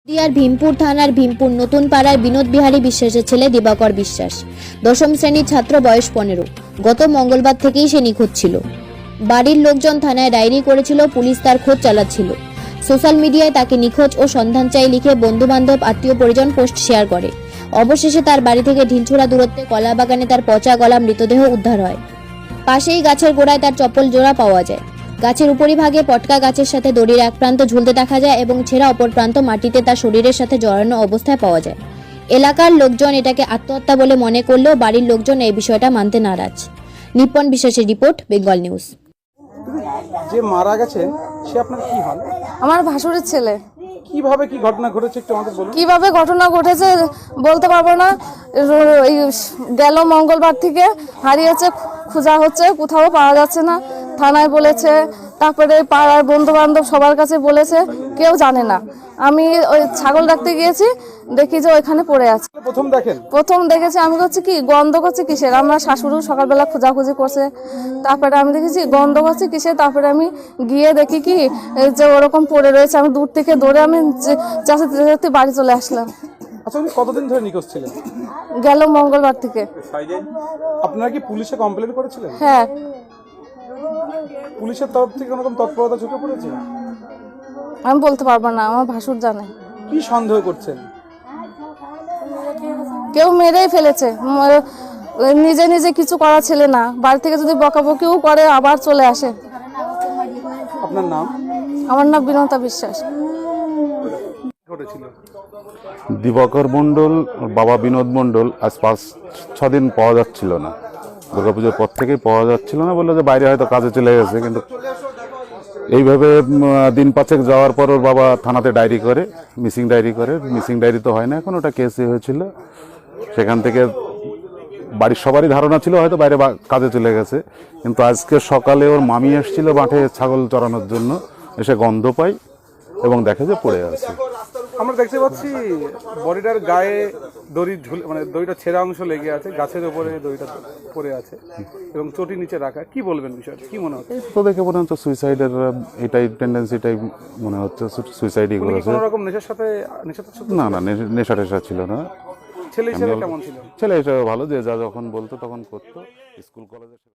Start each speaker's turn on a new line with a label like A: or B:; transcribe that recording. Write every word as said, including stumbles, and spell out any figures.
A: নদিয়ার ভীমপুর থানার ভীমপুর নতুন পাড়ার বিনোদ বিহারী বিশ্বাসের ছেলে দিবাকর বিশ্বাস দশম শ্রেণীর ছাত্র, বয়স পনেরো। গত মঙ্গলবার থেকেই সে নিখোঁজ ছিল। বাড়ির লোকজন থানায় ডায়েরি করেছিল, পুলিশ তার খোঁজ চালাচ্ছিল। সোশ্যাল মিডিয়ায় তাকে নিখোঁজ ও সন্ধান চাই লিখে বন্ধু বান্ধব, আত্মীয় পরিজন পোস্ট শেয়ার করে। অবশেষে তার বাড়ি থেকে ঢিলছোড়া দূরত্বে কলা বাগানে তার পচা গলা মৃতদেহ উদ্ধার হয়। পাশেই গাছের গোড়ায় তার চপ্পল জোড়া পাওয়া যায়। গাছের উপরিভাগে পটকা গাছের সাথে দড়ির এক প্রান্ত ঝুলতে দেখা যায় এবং ছেঁড়া অপর প্রান্ত মাটিতে তার শরীরের সাথে জড়ানো অবস্থায় পাওয়া যায়। এলাকার লোকজন এটাকে আত্মহত্যা বলে মনে করলেও বাড়ির লোকজন এই বিষয়টা মানতে নারাজ। নিপন বিশ্বাসের রিপোর্ট, বেঙ্গল নিউজ।
B: যে মারা গেছে সে আপনার কি হন?
C: আমার ভাসুরের ছেলে।
B: কিভাবে কি ঘটনা ঘটেছে একটু আমাদের বলুন।
C: কিভাবে ঘটনা ঘটেছে বলতে পারবো না। এই গেল মঙ্গলবার থেকে হারিয়েছে, খোঁজা হচ্ছে, কোথাও পাওয়া যাচ্ছে না। থানায় বলেছে, তারপরে পাড়ার বন্ধু বান্ধব সবার কাছে বলেছে, কেউ জানে না। আমি ওই ছাগল রাখতে গিয়েছি, দেখি যে ওইখানে পড়ে আছে।
B: প্রথম দেখেন?
C: প্রথম দেখেছি আমি, হচ্ছে কি গন্ধ করছে কিসের। আমরা শাশুড়ি সকালবেলা খোঁজাখুঁজি করছে, তারপরে আমি দেখেছি গন্ধ করছে কিসের। তারপরে আমি গিয়ে দেখি কি যে ওরকম পড়ে রয়েছে। আমি দূর থেকে দৌড়ে আমি চাচাতে চাচাতে বাড়ি চলে আসলাম।
B: আচ্ছা, উনি কতদিন ধরে নিখোঁজ ছিলেন?
C: গেল মঙ্গলবার থেকে।
B: আপনারা কি পুলিশে কমপ্লেন করেছিলেন?
C: হ্যাঁ।
B: পুলিশের তরফ থেকে কোনো রকম তৎপরতা চোখে পড়েছে?
C: আমি বলতে পারবো না, আমার ভাসুর জানে।
B: কি সন্দেহ করছেন?
C: কেউ মেরেই ফেলেছে। ম- নিজে নিজে কিছু করা ছেলে না, বাড়ি থেকে যদি বকাবকিও করে আবার চলে আসে।
B: আপনার নাম?
C: আমার নাম বিনতা বিশ্বাস।
B: ঘটেছিল
D: দিবাকর মণ্ডল, ওর বাবা বিনোদ মণ্ডল আজ পাঁচ ছদিন পাওয়া যাচ্ছিল না। দুর্গাপুজোর পর থেকেই পাওয়া যাচ্ছিল না, বললো যে বাইরে হয়তো কাজে চলে গেছে। কিন্তু এইভাবে উম, দিন পাঁচেক যাওয়ার পর ওর বাবা থানাতে ডায়েরি করে, মিসিং ডায়েরি করে। মিসিং ডায়েরি তো হয় না এখন, ওটা কেসে হয়েছিল। সেখান থেকে বাড়ির সবারই ধারণা ছিল হয়তো বাইরে বা- কাজে চলে গেছে। কিন্তু আজকে সকালে ওর মামি এসেছিল মাঠে ছাগল চড়ানোর জন্য, এসে গন্ধ পাই এবং দেখে যে পড়ে আছে।
B: আমরা দেখতে পাচ্ছি বডিটার গায়ে দড়ি ঝুলে, মানে দড়িটা ছেঁড়া অংশ লেগে আছে, গাছের উপরে দড়িটা পড়ে আছে এবং চটি নিচে রাখা। কি বলবেন বিষয়টা, কি মনে হচ্ছে?
D: তো দেখে মনে হচ্ছে সুইসাইডের এটাই টেন্ডেন্সিটাই মনে হচ্ছে, সুইসাইডই
B: উনি কি
D: করেছে।
B: কোনো রকম নেশার সাথে নেশা
D: না না, নে- নেশা টেশা ছিল না।
B: ছেলে হিসেবে কেমন ছিল?
D: ছেলে হিসেবে ভালো, যে যা যখন বলতো তখন করতো। স্কুল কলেজে